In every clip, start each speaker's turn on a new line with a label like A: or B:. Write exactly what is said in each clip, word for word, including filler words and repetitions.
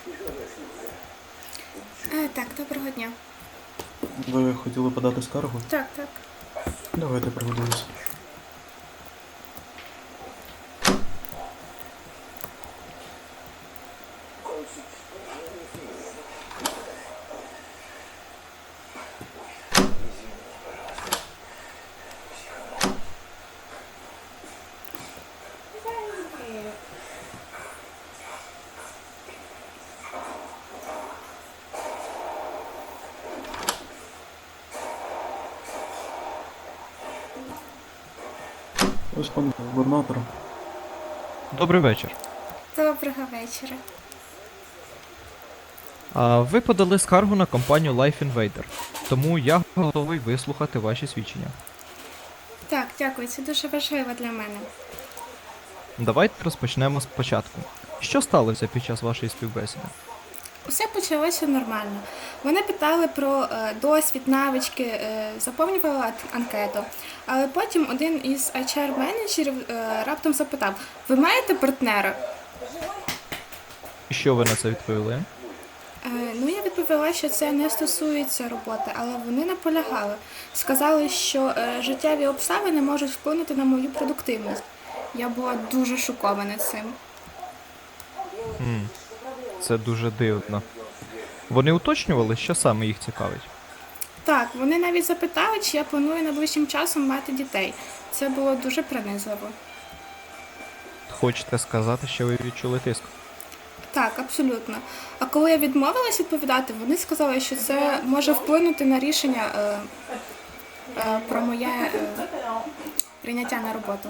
A: Е, так, доброго дня.
B: Ви хотіли подати скаргу?
A: Так, так.
B: Давайте приготуюсь. Ось пан губернатор.
C: Добрий вечір.
A: Доброго вечора.
C: А, ви подали скаргу на компанію Life Invader, тому я готовий вислухати ваші свідчення.
A: Так, дякую, це дуже важливо для мене.
C: Давайте розпочнемо спочатку. Що сталося під час вашої співбесіди?
A: Усе почалося нормально. Вони питали про е, досвід, навички, е, заповнювали ан- анкету. Але потім один із ейч ар-менеджерів е, раптом запитав: ви маєте партнера?
C: І що ви на це відповіли?
A: Е, ну, я відповіла, що це не стосується роботи, але вони наполягали. Сказали, що е, життєві обставини можуть вплинути на мою продуктивність. Я була дуже шокована цим.
C: М, Це дуже дивно. Вони уточнювали, що саме їх цікавить?
A: Так, вони навіть запитали, чи я планую найближчим часом мати дітей. Це було дуже принизливо.
C: Хочете сказати, що ви відчули тиск?
A: Так, абсолютно. А коли я відмовилась відповідати, вони сказали, що це може вплинути на рішення е, е, про моє е, прийняття на роботу.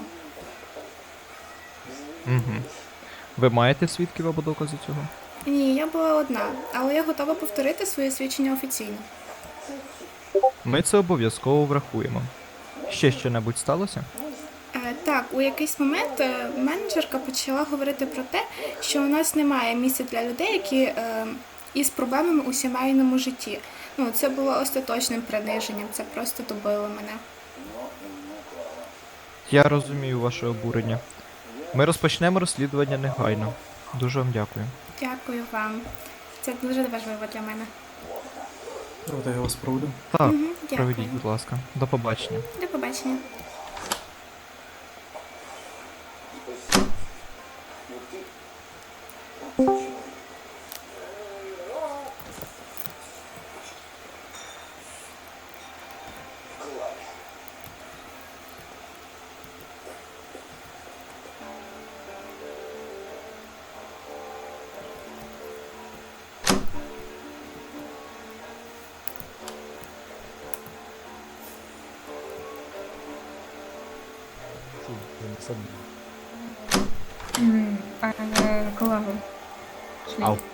C: Угу. Ви маєте свідків або докази цього?
A: Ні, я була одна, але я готова повторити своє свідчення офіційно.
C: Ми це обов'язково врахуємо. Ще що-небудь сталося?
A: Е, Так, у якийсь момент е, менеджерка почала говорити про те, що у нас немає місця для людей, які е, із проблемами у сімейному житті. Ну, це було остаточним приниженням, це просто добило мене.
C: Я розумію ваше обурення. Ми розпочнемо розслідування негайно. Дуже вам дякую.
A: Дякую вам. Це дуже важливо для мене.
B: Давайте я вас проведу.
C: Так,
A: Мгм, дякую.
C: проведіть, будь ласка. До побачення.
A: До побачення.
D: М, Пане колего,
C: Ау.